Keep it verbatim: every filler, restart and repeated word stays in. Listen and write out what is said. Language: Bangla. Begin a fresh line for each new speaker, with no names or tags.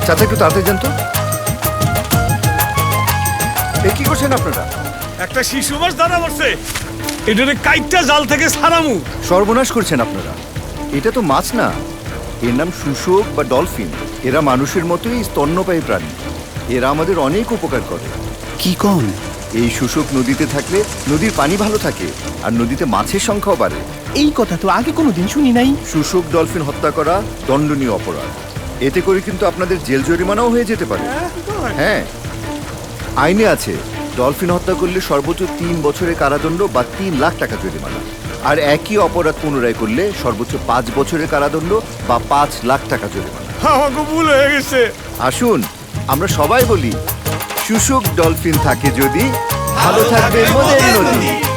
চাচা একটু তাড়াতাড়ি যান তো। এ কি করছেন আপনারা?
একটা শিশু মাছ ধরা পড়ছে, এটারে কাইটটা জাল থেকে ছাড়ামু।
সর্বনাশ করছেন আপনারা। এটা তো মাছ না, এর নাম শুশুক বা ডলফিন। এরা মানুষের মতোই স্তন্যপায়ী প্রাণী। এরা আমাদের অনেক উপকার করে।
কি কন?
এই শুশুক নদীতে থাকলে নদীর পানি ভালো থাকে আর নদীতে মাছের সংখ্যাও বাড়ে।
এই কথা তো আগে কোনোদিন শুনি নাই।
শুশুক ডলফিন হত্যা করা দণ্ডনীয় অপরাধ। এতে করে কিন্তু আপনাদের জেল জরিমানাও হয়ে যেতে পারে। হ্যাঁ, আইনে আছে ডলফিন হত্যা করলে সর্বোচ্চ তিন বছরের কারাদণ্ড বা তিন লাখ টাকা জরিমানা, আর একই অপরাধ পুনরায় করলে সর্বোচ্চ পাঁচ বছরের কারাদণ্ড বা পাঁচ লাখ টাকা জরিমানা।
আমাকে ভুল হয়ে গেছে।
আসুন আমরা সবাই বলি, শুশুক ডলফিন থাকে যদি, ভালো থাকবে মোদের নদী।